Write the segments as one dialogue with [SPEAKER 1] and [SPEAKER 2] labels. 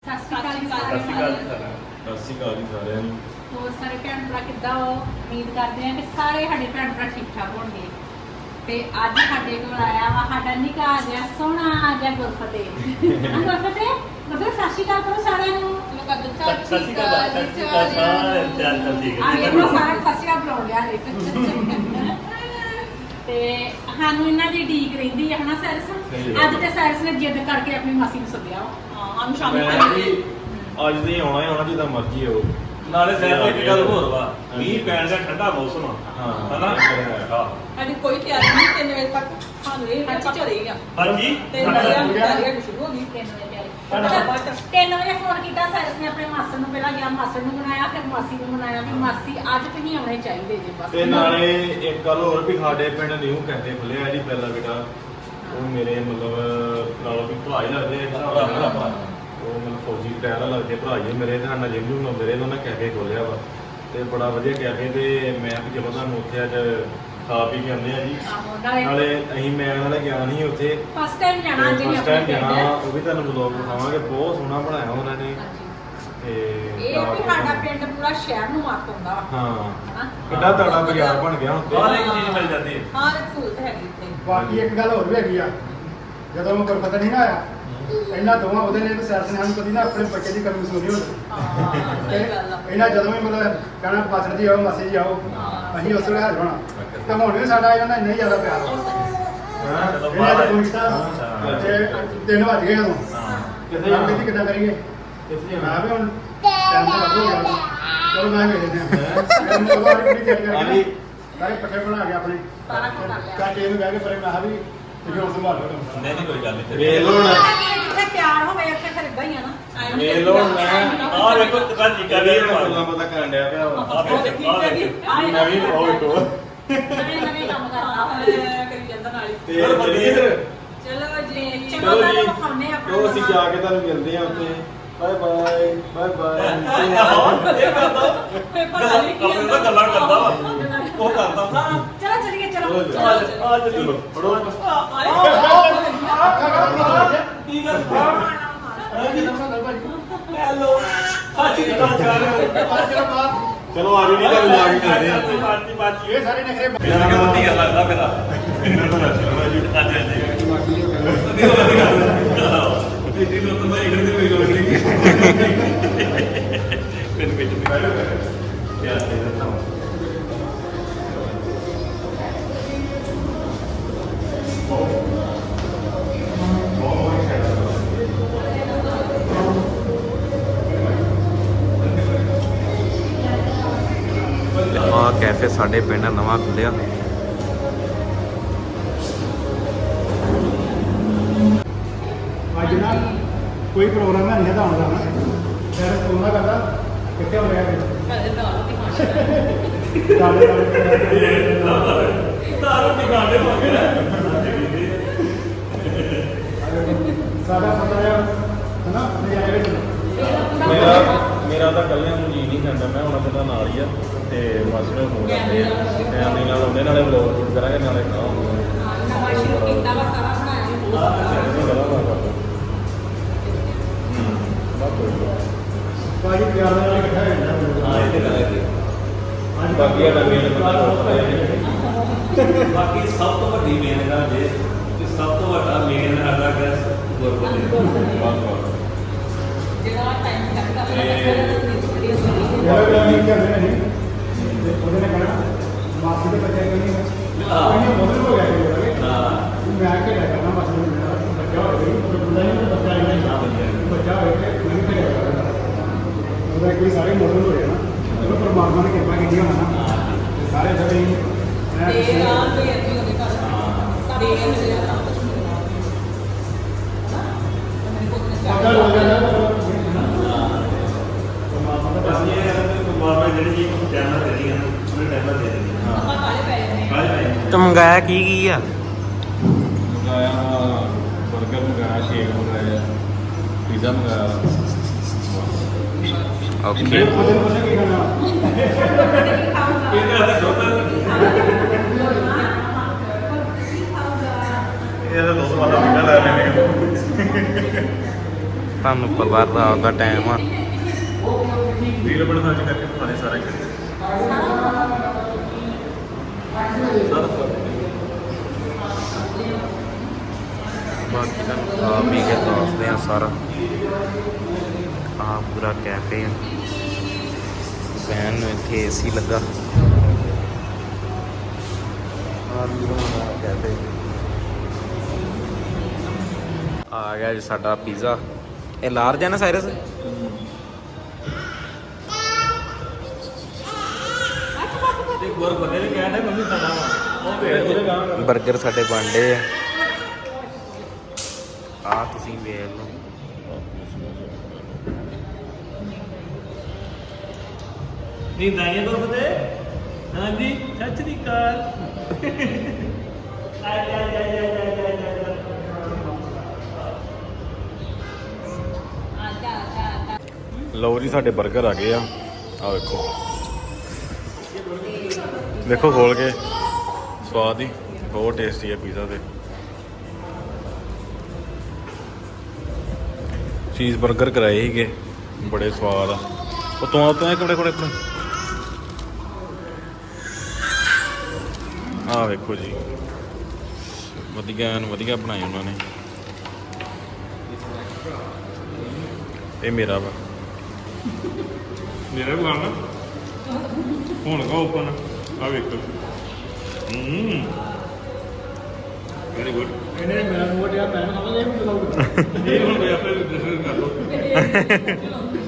[SPEAKER 1] ਸਤਿ ਸ਼੍ਰੀ ਅਕਾਲ ਜੀ ਸਾਰਿਆਂ ਨੂੰ। ਹੋਰ ਸਾਰੇ ਭੈਣ ਭਰਾ ਕਿੱਦਾਂ ਹੋ? ਉਮੀਦ ਕਰਦੇ ਹਾਂ ਕਿ ਸਾਰੇ ਸਾਡੇ ਭੈਣ ਭਰਾ ਠੀਕ ਠਾਕ ਹੋਣਗੇ। ਤੇ ਅੱਜ ਸਾਡੇ ਕੋਲ ਆਇਆ ਵਾ ਸਾਡਾ ਨਿੱਕਾ ਜਿਹਾ ਸੋਹਣਾ ਜਿਹਾ ਗੁਰਫਤਿਹ। ਗੁਰਫਤਿਹ ਸਤਿ ਸ਼੍ਰੀ ਅਕਾਲ ਕਰੋ ਸਾਰਿਆਂ ਨੂੰ।
[SPEAKER 2] ਸਤਿ ਸ਼੍ਰੀ ਅਕਾਲ ਸਾਰੇ ਠੀਕ ਹੈ
[SPEAKER 1] ਇਹਨਾਂ ਸਾਰਾ ਸਤਿ ਸ਼੍ਰੀ ਅਕਾਲ ਬੁਲਾਉਣ ਲਿਆ ਹੈ। ਤੇ ਸਾਨੂੰ ਇਹਨਾਂ ਦੀ ਢੀਕ ਰਹਿੰਦੀ ਹੈ ਹਨਾ ਸੈਰਸ। ਅੱਜ ਤੇ ਸੈਰਸ ਨੇ ਜਿੱਦ ਕਰਕੇ ਆਪਣੀ ਮਾਸੀ ਨੂੰ ਸੱਦਿਆ ਵਾ। ਸ਼ਾਮੀ
[SPEAKER 3] ਅੱਜ ਨਹੀਂ ਆਉਣਾ ਹੀ ਆਉਣਾ ਜਿੱਦਾਂ ਮਰਜ਼ੀ ਹੋ।
[SPEAKER 2] ਨਾਲੇ ਸਹਿਰ ਇੱਕ ਗੱਲ ਹੋਰ ਵਾ, ਮੀਂਹ ਪੈਣ ਦਾ ਠੰਡਾ ਮੌਸਮ ਆ ਹਨਾ।
[SPEAKER 4] ਸਾਡੀ ਕੋਈ ਤਿਆਰੀ ਨਹੀਂ 3 ਵਜੇ ਤੱਕ ਸਾਨੂੰ ਇਹ ਪਤਾ ਚੱਲੇਗਾ।
[SPEAKER 2] ਹਾਂਜੀ
[SPEAKER 4] 3 ਵਜੇ ਤਿਆਰੀ ਸ਼ੁਰੂ ਹੋ ਗਈ।
[SPEAKER 1] 3 ਵਜੇ ਫੋਨ ਕੀਤਾ ਸੈਰਸ ਨੇ ਆਪਣੇ ਮਾਸੜ ਨੂੰ। ਪਹਿਲਾਂ ਗਿਆ ਮਾਸੜ ਨੂੰ ਬਣਾਇਆ, ਫਿਰ ਮਾਸੀ ਨੂੰ ਬਣਾਇਆ ਵੀ ਮਾਸੀ ਅੱਜ ਤੁਸੀਂ ਆਉਣੇ ਚਾਹੀਦੇ ਜੇ ਬਸ।
[SPEAKER 3] ਤੇ ਨਾਲੇ ਇੱਕ ਗੱਲ ਹੋਰ ਵੀ ਸਾਡੇ ਪਿੰਡ ਨਿਊ ਕੈਫੇ ਖੁੱਲਿਆ ਜੀ ਪਹਿਲਾ ਬੇਟਾ। ਉਹ ਮੇਰੇ ਮਤਲਬ ਨਾਲੋਂ ਵੀ ਭਰਾ ਹੀ ਲੱਗਦੇ ਆ। ਉਹ ਮੈਨੂੰ ਫੌਜੀ ਟਾਇਰ ਲੱਗਦੇ ਭਰਾ ਜੀ ਮੇਰੇ। ਤੇ ਨਾਲ ਜਿਮ ਜੂਮ ਲਾਉਂਦੇ ਰਹੇ। ਉਹਨਾਂ ਕੈਫੇ ਖੋਲਿਆ ਵਾ ਤੇ ਬੜਾ ਵਧੀਆ ਕੈਫੇ। ਤੇ ਮੈਂ ਵੀ ਜਦੋਂ ਤੁਹਾਨੂੰ ਉੱਥੇ ਅੱਜ ਖਾ ਪੀ ਕੇ ਆਉਂਦੇ ਆ ਜੀ। ਨਾਲੇ ਅਸੀਂ ਮੈਂ ਨਾਲੇ ਗਿਆ ਨਹੀਂ ਉੱਥੇ,
[SPEAKER 1] ਫਸਟ ਟਾਈਮ ਜਾਣਾ ਅੱਜ
[SPEAKER 3] ਫਸਟ ਟਾਈਮ ਜਾਣਾ। ਉਹ ਵੀ ਤੁਹਾਨੂੰ ਵਲੌਗ ਦਿਖਾਵਾਂਗੇ। ਬਹੁਤ ਸੋਹਣਾ ਬਣਾਇਆ ਉਹਨਾਂ ਨੇ। ਤੇ
[SPEAKER 1] ਇਹ ਵੀ ਸਾਡਾ ਪਿੰਡ ਪੂਰਾ ਸ਼ਹਿਰ ਨੂੰ ਮਾਤ ਹੁੰਦਾ ਵਾ।
[SPEAKER 3] ਹਾਂ ਕਿੱਡਾ ਤਗੜਾ ਬਾਜ਼ਾਰ ਬਣ ਗਿਆ ਹੁਣ
[SPEAKER 2] ਹਰ
[SPEAKER 3] ਤੇ।
[SPEAKER 2] ਇੱਕ ਚੀਜ਼ ਮਿਲ ਜਾਂਦੀ ਹੈ।
[SPEAKER 4] ਹਰ ਇੱਕ ਸਹੂਲਤ ਹੈਗੀ ਇੱਥੇ।
[SPEAKER 5] ਬਾਕੀ ਇੱਕ ਗੱਲ ਹੋਰ ਵੀ ਹੈਗੀ ਆ, ਜਦੋਂ ਮੈਂ ਗੁਰਫਤਿਹ ਨਹੀਂ ਨਾ ਆਇਆ ਇਹਨਾਂ ਦੋਵਾਂ ਉਹਦੇ ਨੇ ਤੇ ਸੈਰਸ ਨੇ ਸਾਨੂੰ ਕਦੀ ਨਾ ਆਪਣੇ ਬੱਚੇ ਦੀ ਕਮੀ ਮਹਿਸੂਸ ਨਹੀਂ ਹੋਈ।
[SPEAKER 4] ਸਹੀ ਗੱਲ ਆ।
[SPEAKER 5] ਇਹਨਾਂ ਜਦੋਂ ਵੀ ਮਤਲਬ ਕਹਿਣਾ ਪਾਸੜ ਜੀ ਆਓ ਮਾਸੀ ਜੀ ਆਓ, ਅਸੀਂ ਉਸ ਵੇਲੇ ਹਾਜ਼ਰ ਹੋਣਾ। ਤੇ ਹੁਣ ਵੀ ਸਾਡਾ ਇਹਨਾਂ ਨਾਲ ਇੰਨਾ ਹੀ ਜ਼ਿਆਦਾ ਪਿਆਰ ਆ। ਇਹਨਾਂ ਦਾ ਕੋਈ ਕੀਤਾ ਤੇ 3 ਵਜ ਗਏ ਉਦੋਂ।
[SPEAKER 3] ਕਿੱਥੇ
[SPEAKER 5] ਆਪ ਕਿਤੇ ਕਿੱਦਾਂ ਕਰੀਏ?
[SPEAKER 3] ਕਿੱਥੇ
[SPEAKER 5] ਮੈਂ ਵੀ ਹੁਣ ਟਾਈਮ ਤੇ ਲੱਗੋ ਗਿਆ। ਚਲੋ ਮੈਂ ਵੇਖਦੇ ਹਾਂ ਮੈਂ ਉਹ ਵਾਲੀ ਪੂਰੀ ਤਿਆਰੀ ਕਰਕੇ ਸਾਰੇ ਪੱਠੇ ਬਣਾ ਕੇ ਆਪਣੇ
[SPEAKER 1] ਸਾਰਾ ਕੁਝ ਕਰ ਲਿਆ।
[SPEAKER 5] ਕਾਕੇ ਨੂੰ ਬਹਿ ਕੇ ਪਰੇ ਮੈਂ ਕਿਹਾ ਵੀ ਤੁਸੀਂ ਹੁਣ ਸੰਭਾਲੋ ਕੰਮ।
[SPEAKER 2] ਨਹੀਂ ਕੋਈ ਗੱਲ ਨਹੀਂ।
[SPEAKER 3] ਵੇਖ ਲਓ ਹੁਣ।
[SPEAKER 1] ਜਿੱਥੇ ਪਿਆਰ ਹੋਵੇ ਉੱਥੇ ਫਿਰ ਇਦਾਂ ਹੀ ਆ ਨਾ।
[SPEAKER 3] ਵੇਖ ਲਓ ਹੁਣ ਮੈਂ
[SPEAKER 2] ਆਹ ਵੇਖੋ ਕਿੰਨਾ ਚੀਕਾ ਦੇ
[SPEAKER 3] ਗੱਲਾਂ ਪਤਾ ਕਰਨ ਡਿਆ ਪਿਆ ਵਾ।
[SPEAKER 2] ਆਹ ਵੇਖੋ
[SPEAKER 3] ਮੈਂ ਵੀ ਉਹ ਵੇਖੋ
[SPEAKER 1] ਨਵੇਂ ਕੰਮ ਕਰਨਾ।
[SPEAKER 4] ਕਰੀ ਜਾਂਦਾ ਨਾਲ ਹੀ।
[SPEAKER 3] ਤੇ ਬਲਜੀਤ
[SPEAKER 4] ਚਲੋ ਜੀ
[SPEAKER 3] ਚਲੋ ਜੀ
[SPEAKER 1] ਵਿਖਾਉਂਦੇ ਆ ਆਪਣਾ
[SPEAKER 3] ਉਹ ਅਸੀਂ ਜਾ ਕੇ ਤੁਹਾਨੂੰ ਮਿਲਦੇ ਆ ਉੱਥੇ। Bye bye bye bye.
[SPEAKER 4] ਪਤਾ ਨਹੀਂ ਕੀ
[SPEAKER 2] ਆਪਣੇ ਨਾਲ ਗੱਲਾਂ ਕਰਦਾ ਵਾ। ਉਹ ਕਰਦਾ
[SPEAKER 1] ਚਲੋ ਚਲੀਏ ਚਲੋ
[SPEAKER 2] ਆ ਚਲੋ
[SPEAKER 3] ਫੜੋ
[SPEAKER 2] ਕੀ ਗੱਲ
[SPEAKER 5] ਹੈਲੋ
[SPEAKER 2] ਸਾਚੀ ਗੱਲ ਕਰ ਰਹੇ ਹੋ।
[SPEAKER 3] ਚਲੋ ਆ ਜੀ ਤੁਹਾਨੂੰ ਜਾ ਕੇ ਮਿਲਦੇ ਆ।
[SPEAKER 2] ਬਾਜੀ ਬਾਜੀ
[SPEAKER 5] ਇਹ ਸਾਰੇ ਨਖਰੇ
[SPEAKER 2] ਇਹਨਾਂ ਨੂੰ ਵਧੀਆ ਲੱਗਦਾ ਮੇਰਾ ਇਹਨਾਂ ਨੂੰ ਲੱਗਦਾ ਜੀ। ਹਾਂਜੀ ਹਾਂਜੀ ਵਧੀਆ ਇਹ ਨੂੰ ਤਾਂ ਮੈਂ ਇਹਦੇ ਕੋਈ ਲੋੜ ਨਹੀਂ। ਮੈਨੂੰ ਵਿੱਚ ਨਹੀਂ ਯਾਰ ਇਹ ਤਾਂ
[SPEAKER 6] ਆ ਕੈਫੇ ਸਾਡੇ ਪਿੰਡ ਨਵਾਂ ਖੁੱਲਿਆ।
[SPEAKER 5] ਅੱਜ ਨਾ ਕੋਈ ਪ੍ਰੋਗਰਾਮ ਹੈ ਨਹੀਂ ਤਾਂ ਆਉਂਦਾ ਨਾ ਫਿਰ ਫੋਨ ਕਰਦਾ ਕਿੱਥੇ ਹੋ ਰਿਹਾ
[SPEAKER 4] ਕਦੇ ਦਾਲ ਰੋਟੀ ਖਾਣੀ।
[SPEAKER 2] ਤਾਰੋ ਟਿਕਾਣੇ ਮੰਗੇ
[SPEAKER 5] ਸਾਡਾ ਪਤਾ ਹੈ ਹਨਾ ਨਜ਼ਾਰੇ ਵਿੱਚ
[SPEAKER 3] ਮੇਰਾ ਤਾਂ ਕੱਲਿਆਂ ਨੂੰ ਜੀ ਨਹੀਂ ਕਰਦਾ। ਮੈਂ ਹੁਣ ਤੁਹਾਡਾ ਨਾਲ ਹੀ ਆ ਤੇ ਮਾਸੀ ਨੂੰ ਫੋਨ ਕਰਦੇ ਆ ਤੇ ਆਨੇ ਨਾਲ ਉਹਦੇ ਨਾਲੇ ਵਲੌਗ ਸ਼ੂਟ ਕਰਾਂਗੇ ਨਾਲੇ ਖਾਵਾਂਗੇ।
[SPEAKER 1] ਨਵਾਂ ਸ਼ੁਰੂ ਕੀਤਾ ਵਾ ਸਾਰਾ ਬਣਾਇਆ।
[SPEAKER 5] ਬਾਜੀ ਪਿਆਰ ਨਾਲ ਇਕੱਠਾ ਹੋ ਜਾਂਦਾ।
[SPEAKER 3] ਹਾਂ ਇਹਦੇ ਨਾਲ
[SPEAKER 5] ਅੱਜ
[SPEAKER 3] ਬਾਕੀ ਆ ਨਵੀਆਂ ਨੇ ਪਤਾ
[SPEAKER 2] ਬਾਕੀ ਸਭ ਤੋਂ ਵੱਡੀ ਮੇਨ ਗੱਲ ਜੇ ਕਿ ਸਭ ਤੋਂ ਵੱਡਾ ਮੇਨ ਸਾਡਾ ਗੈਸ ਗੁਰਪੁਰਬ
[SPEAKER 4] ਜਿਹੜਾ ਟਾਈਮ ਲੱਗਦਾ
[SPEAKER 5] ਯਾਰ ਵੀ ਕਹਿੰਦੇ ਨਹੀਂ ਤੇ ਉਹਦੇ ਨੇ ਕਹਿਣਾ ਮਾਸੀ ਦੇ ਬੱਚੇ ਕੋਈ ਨਹੀਂ ਉਹਨੇ ਮੋਦਲ ਹੋ ਗਿਆ ਕਿ ਮੈਂ ਆ ਕੇ ਲੈ ਜਾਣਾ ਮਾਸੀ ਨੂੰ ਮੇਰਾ ਬੱਚਾ ਹੋ ਗਿਆ ਉਹ ਬੰਦਾ ਨਹੀਂ ਬੱਚਾ ਹੀ ਨਹੀਂ ਬੱਚਾ ਹੋ ਗਿਆ ਮੈਂ ਵੀ ਲੈ ਜਾਣਾ। ਉਹਦਾ ਕੋਈ ਸਾਰੇ ਮੋਦਲ ਹੋ ਗਿਆ ਨਾ ਉਹ ਪਰਮਾਤਮਾ ਨੇ ਕਿਰਪਾ ਕੀਤੀ ਹੋਣਾ ਨਾ ਸਾਰੇ ਸਾਰੇ
[SPEAKER 4] ਤੇ ਆ ਤੇ ਅੱਜੀ ਉਹਦੇ ਘਰ ਸਾਡੇ ਇਹ ਜਿਹੜਾ ਸਭ ਕੁਝ ਮਿਲਦਾ
[SPEAKER 5] ਪਤਾ ਲੱਗ ਜਾਂਦਾ
[SPEAKER 2] ਬਸ ਇਹ ਹੈ ਕਿ ਮਾਰਵਾ ਜਿਹੜੀ ਜੀ ਟਾਈਮ ਨਾਲ ਦੇਣੀ ਹੈ ਉਹਨੇ ਟਾਈਮ ਨਾਲ ਦੇ ਦੇਣੀ ਹੈ।
[SPEAKER 4] ਆਪਾਂ ਕਾਲੇ ਪੈ ਜਾਂਦੇ
[SPEAKER 2] ਬਾਏ ਬਾਏ।
[SPEAKER 6] ਤੇ ਮੰਗਾਇਆ ਕੀ ਆ?
[SPEAKER 3] ਮੰਗਾਇਆ ਬਰਗਰ ਮੰਗਾਇਆ, ਸ਼ੇਕ ਮੰਗਾਇਆ, ਪੀਜ਼ਾ ਮੰਗਾਇਆ।
[SPEAKER 6] ਓਕੇ
[SPEAKER 5] ਉਹਦੇ ਕੋਲ ਕੀ ਕਰਨਾ
[SPEAKER 2] ਇਹਦੇ ਹੱਥ ਦੁੱਧ ਇਹ ਤਾਂ ਦੁੱਧ ਵਾਲਾ ਮਿੰਨਾ ਲੈ ਲੈਣੇ
[SPEAKER 6] ਤੁਹਾਨੂੰ ਪਤਾ ਰਾਤ ਦਾ ਟਾਈਮ ਆ।
[SPEAKER 3] ਵੀਰ ਬਣ ਸੱਚ ਕਰਕੇ ਖਾਣੇ ਸਾਰੇ ਕਿਤੇ
[SPEAKER 6] ਬਾਕੀ ਤੁਹਾਨੂੰ ਖਾ ਪੀ ਕੇ ਦੱਸਦੇ ਆ ਸਾਰਾ। ਆ ਪੂਰਾ ਕੈਫੇ ਆ, ਵੈਨ ਨੂੰ ਇੱਥੇ ਏਸੀ ਲੱਗਾ। ਆ ਵੀ ਬਣਾਉਣਾ ਕੈਫੇ। ਆ ਗਿਆ ਜੀ ਸਾਡਾ ਪੀਜ਼ਾ। ਇਹ ਲਾਰਜ ਹੈ ਨਾ ਸਾਇਰਸ?
[SPEAKER 2] ਇੱਕ ਵਾਰ ਬੰਦੇ ਨੇ ਕਹਿਣਾ ਮੰਮੀ ਖਾਣਾ ਵਾ ਉਹ ਭੇਜ ਉਹਦੇ ਗਾਂ
[SPEAKER 6] ਬਰਗਰ ਸਾਡੇ ਬਣਦੇ ਆ। ਆ ਤੁਸੀਂ ਵੇਖ ਲਓ।
[SPEAKER 2] ਨਹੀਂ ਦਾਈਏ ਕੋਲ ਬਤੇ ਹਾਂਜੀ ਸੱਚ ਦੀ ਕਾਲ ਆਏ
[SPEAKER 3] ਲਓ ਜੀ ਸਾਡੇ 버ਗਰ ਆ ਗਏ ਆ। ਆ ਵੇਖੋ ਵੇਖੋ ਖੋਲ ਕੇ ਸਵਾਦ ਹੀ ਬਹੁਤ ਟੇਸਟੀ ਹੈ ਪੀਜ਼ਾ ਤੇ। ਚੀਜ਼ 버ਗਰ ਕਰਾਏ ਸੀਗੇ ਬੜੇ ਸਵਾਦ ਆ। ਉਹ ਤੋਂ ਇੱਕ ਬੜੇ ਕੋਲੇ ਆ ਵੇਖੋ ਜੀ ਵਧੀਆ ਬਣਾਏ ਉਹਨਾਂ ਨੇ। ਇਹ ਮੇਰਾ ਵਾ ਮੇਰਾ ਵੀ ਖਾਣਾ ਹੁਣ ਕਾ ਓਪਨ ਆ ਵੇਖੋ। Very good.
[SPEAKER 5] ਇਹਨੇ ਮੇਰਾ ਮੂੰਹ ਟਿਆ ਮੈਂ ਖਾਵਾਂਗਾ ਇਹ ਵੀ ਬੁਲਾਉਗਾ।
[SPEAKER 2] ਇਹ ਹੁਣ ਕੋਈ ਆਪੇ ਡਿਸਕਸ ਕਰ ਲਓ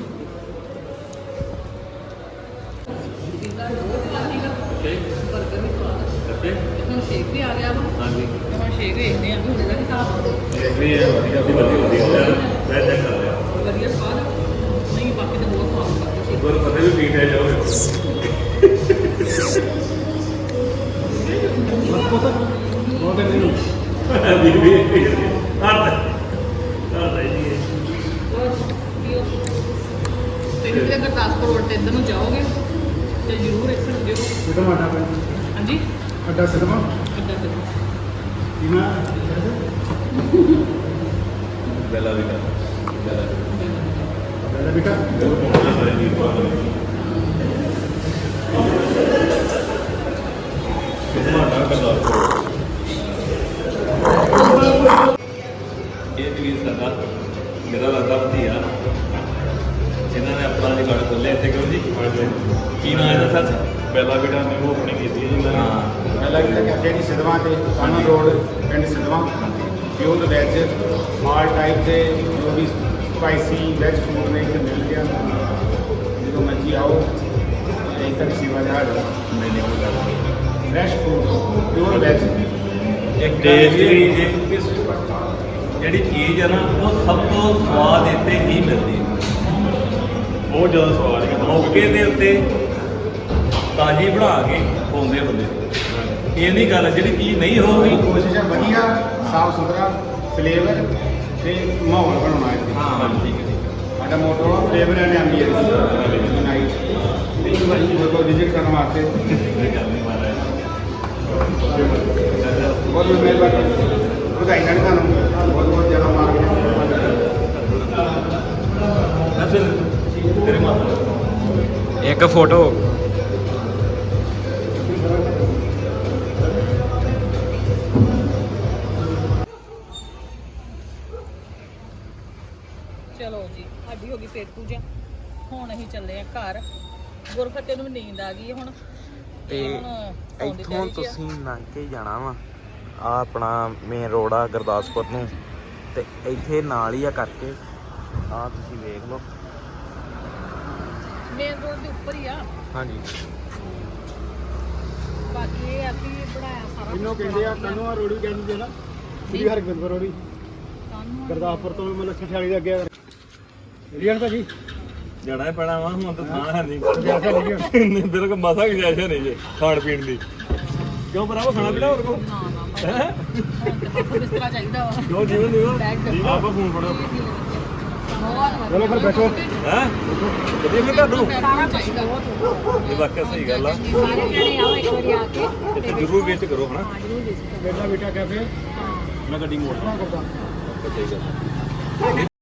[SPEAKER 4] ਹੁਣ ਸ਼ੇਕ ਵੀ ਆ ਗਿਆ ਵਾ।
[SPEAKER 2] ਹਾਂਜੀ
[SPEAKER 4] ਹੁਣ ਸ਼ੇਕ ਵੇਖਦੇ ਆ ਹੁਣ ਇਹਦਾ ਕੀ ਹਿਸਾਬ
[SPEAKER 2] ਇਹ ਵੀ ਹੈ ਵਧੀਆ ਮੈਂ ਚੈੱਕ ਕਰ ਲਿਆ
[SPEAKER 4] ਵਧੀਆ ਸਵਾਦ ਆ। ਨਹੀਂ ਬਾਕੀ ਤਾਂ ਬਹੁਤ ਸਵਾਦ ਲੱਗਦਾ ਸੀ।
[SPEAKER 2] ਗੁਰ ਪਤਾ ਵੀ ਪੀਟ ਹੈ ਜਾਓ
[SPEAKER 5] ਬਹੁਤ ਨਹੀਂ
[SPEAKER 2] ਬੀਬੀ ਹਰ ਜੀ
[SPEAKER 4] ਤੇ ਜਿਹੜੇ ਗੁਰਦਾਸਪੁਰ ਰੋਡ ਤੇ ਇੱਧਰ ਨੂੰ ਜਾਓਗੇ ਤੇ ਜ਼ਰੂਰ ਇੱਥੇ ਰੁਕਿਓ।
[SPEAKER 5] ਬੇਟਾ ਮਾਟਾ ਪੈ
[SPEAKER 4] ਹਾਂਜੀ
[SPEAKER 5] ਅੱਡਾ ਸਿਨੇਮਾ
[SPEAKER 4] ਅੱਡਾ ਫਿਰ
[SPEAKER 5] ਕਿਨਾ
[SPEAKER 2] ਬੈਲਾ ਵੀ ਕਰ
[SPEAKER 5] ਬੇਟਾ ਬੇਟਾ
[SPEAKER 2] ਇਹ ਵੀ ਸਾਡਾ ਮੇਰਾ ਲੱਗਦਾ ਭਤੀਆ ਜਿਨ੍ਹਾਂ ਨੇ ਆਪਣਾ ਰਿਕਾਰਡ ਖੋਲ੍ਹਿਆ ਇੱਥੇ ਕਰੋ ਜੀ ਕੀ ਨਾਮ ਹੈ ਇਹਦਾ ਸੱਚ
[SPEAKER 3] ਪਹਿਲਾ ਬੇਟਾ ਨੇ ਉਹ ਓਪਨਿੰਗ ਕੀਤੀ ਹੈ ਜੀ ਇਹਨਾਂ ਨੇ।
[SPEAKER 5] ਪਹਿਲਾਂ ਵੀ ਲੱਗਿਆ ਜਿਹੜੀ ਸਿਧਵਾਂ ਤੇ ਕਾਨਾ ਰੋਡ ਪਿੰਡ ਸਿਧਵਾਂ ਪਿਓਰ ਵੈਜ ਮਾਲ ਟਾਈਪ ਦੇ ਜੋ ਵੀ ਸਪਾਈਸੀ ਵੈਜ ਫੂਡ ਨੇ ਇੱਥੇ ਮਿਲ ਗਿਆ। ਜਦੋਂ ਮਰਜੀ ਆਓ ਇੱਕ ਤੱਕ ਸੇਵਾ ਦਾ
[SPEAKER 2] ਮੈਨੇ ਉਹ ਗੱਲ
[SPEAKER 5] ਫਰੈਸ਼ ਫੂਡ ਪਿਓਰ ਵੈਜ
[SPEAKER 2] ਇੱਕ ਟੇਸਟ ਵੀ ਜਿਹੜੀ ਚੀਜ਼ ਹੈ ਨਾ ਉਹ ਸਭ ਤੋਂ ਸਵਾਦ ਇੱਥੇ ਹੀ ਮਿਲਦੀ ਹੈ
[SPEAKER 3] ਬਹੁਤ ਜ਼ਿਆਦਾ ਸਵਾਦ ਹੈ।
[SPEAKER 2] ਮੌਕੇ ਦੇ ਉੱਤੇ ਤਾਜ਼ੀ ਬਣਾ ਕੇ ਖਵਾਉਂਦੇ ਬੰਦੇ ਇਹ ਨਹੀਂ ਗੱਲ ਜਿਹੜੀ ਚੀਜ਼ ਨਹੀਂ ਹੋਊਗੀ
[SPEAKER 5] ਕੋਸ਼ਿਸ਼ ਹੈ ਵਧੀਆ ਸਾਫ ਸੁਥਰਾ ਫਲੇਵਰ ਤੇ ਮਾਹੌਲ ਬਣਾਉਣਾ ਹੈ
[SPEAKER 2] ਹਾਂ ਠੀਕ ਹੈ
[SPEAKER 5] ਸਾਡਾ ਮੋਟੋ ਆ ਫਲੇਵਰ ਐਂਡ ਐਂਬੀਐਂਸ ਨਾਈਟ ਇੱਕ ਵਾਰੀ ਜਦੋਂ ਵਿਜ਼ਿਟ ਕਰਨ ਵਾਸਤੇ
[SPEAKER 2] ਇਹ ਗੱਲ ਨਹੀਂ ਮਾਰਾ
[SPEAKER 5] ਬਹੁਤ ਬਹੁਤ ਮਿਹਰਬਾਨੀ ਵਧਾਈਆਂ ਨੇ ਤੁਹਾਨੂੰ ਬਹੁਤ ਬਹੁਤ ਜ਼ਿਆਦਾ ਮਾਰਕੀਟ
[SPEAKER 2] ਮੈਂ ਫਿਰ ਤੇਰੇ ਮਾਤਾ
[SPEAKER 6] ਇੱਕ ਫੋਟੋ
[SPEAKER 4] ਚਲੋ ਜੀ ਸਾਡੀ ਹੋ ਗਈ ਪੇਟ ਪੂਜਾ। ਹੁਣ ਅਸੀਂ ਚੱਲੇ ਆ ਘਰ। ਗੁਰਫਤਿਹ ਨੂੰ ਵੀ ਨੀਂਦ ਆ ਗਈ ਹੈ ਹੁਣ
[SPEAKER 6] ਤੇ
[SPEAKER 4] ਹੁਣ ਸੌਣ ਦੀ
[SPEAKER 6] ਇੱਥੋਂ
[SPEAKER 4] ਤਿਆਰੀ 'ਚ ਆ।
[SPEAKER 6] ਤੁਸੀਂ ਲੰਘ ਕੇ ਜਾਣਾ ਵਾ ਆ ਆਪਣਾ ਮੇਨ ਰੋਡ ਆ ਗੁਰਦਾਸਪੁਰ ਨੂੰ ਤੇ ਇੱਥੇ ਨਾਲ ਹੀ ਆ ਕਰਕੇ ਆ ਤੁਸੀਂ ਵੇਖ ਲਓ।
[SPEAKER 4] ਮੇਨ ਰੋਡ ਦੇ ਉੱਪਰ ਹੀ ਆ।
[SPEAKER 6] ਹਾਂਜੀ
[SPEAKER 4] ਬਾਕੀ ਇਹ ਆ ਕਿ ਬਣਾਇਆ ਸਾਰਾ
[SPEAKER 5] ਇਹਨੂੰ ਕਹਿੰਦੇ ਆ ਕਾਨੂੰਆ ਰੋੜੀ ਕਹਿੰਦੇ ਜੇ ਨਾ ਸ੍ਰੀ ਹਰਗੋਬਿੰਦ ਰੋੜੀ
[SPEAKER 4] ਕਾਨੂੰ
[SPEAKER 5] ਗੁਰਦਾਸਪੁਰ ਤੋਂ ਮਤਲਬ ਛਠਿਆਲੀ ਦੇ ਅੱਗੇ ਰੀਅਨ ਭਾਜੀ
[SPEAKER 2] ਜਾਣਾ ਹੀ ਪੈਣਾ ਵਾ ਹੁਣ ਤਾਂ ਥਾਂ ਹੈ ਨਹੀਂ
[SPEAKER 5] ਜੈਸਾ ਨਹੀਂ
[SPEAKER 2] ਨਹੀਂ ਬਿਲਕੁਲ ਮਸਾ ਗੁਜਾਇਸ਼ ਨਹੀਂ ਜੇ ਖਾਣ ਪੀਣ ਦੀ ਕਿਉਂ ਭਰਾਵਾ ਖਾਣਾ ਪੀਣਾ ਹੋਰ ਕੋ
[SPEAKER 4] ਨਾ ਨਾ
[SPEAKER 2] ਹੈ
[SPEAKER 4] ਬਿਸਤਰਾ ਚਾਹੀਦਾ ਵਾ।
[SPEAKER 2] ਕਿਉਂ ਜੀਵਨ ਦਿਓ
[SPEAKER 4] ਬੈਗ
[SPEAKER 2] ਆਪਾਂ ਫੋਨ ਫੜੋ
[SPEAKER 4] ਬਹੁਤ
[SPEAKER 5] ਚਲੋ ਫਿਰ ਬੈਠੋ
[SPEAKER 2] ਹੈ ਵਧੀਆ ਫਿਰ ਤੁਹਾਨੂੰ
[SPEAKER 4] ਸਾਰਾ ਚਾਹੀਦਾ
[SPEAKER 2] ਇਹ ਵਾਕਿਆ ਸਹੀ ਗੱਲ ਆ
[SPEAKER 1] ਸਾਰੇ ਜਣੇ ਆਓ ਇੱਕ ਵਾਰੀ ਆ ਕੇ
[SPEAKER 2] ਇੱਥੇ ਜ਼ਰੂਰ ਵਿਜ਼ਿਟ ਕਰੋ ਹਨਾ
[SPEAKER 5] ਬੇਟਾ ਬੇਟਾ ਕੈਫੇ
[SPEAKER 2] ਮੈਂ ਗੱਡੀ ਮੋੜ
[SPEAKER 5] ਕਰਦਾ
[SPEAKER 2] ਠੀਕ ਹੈ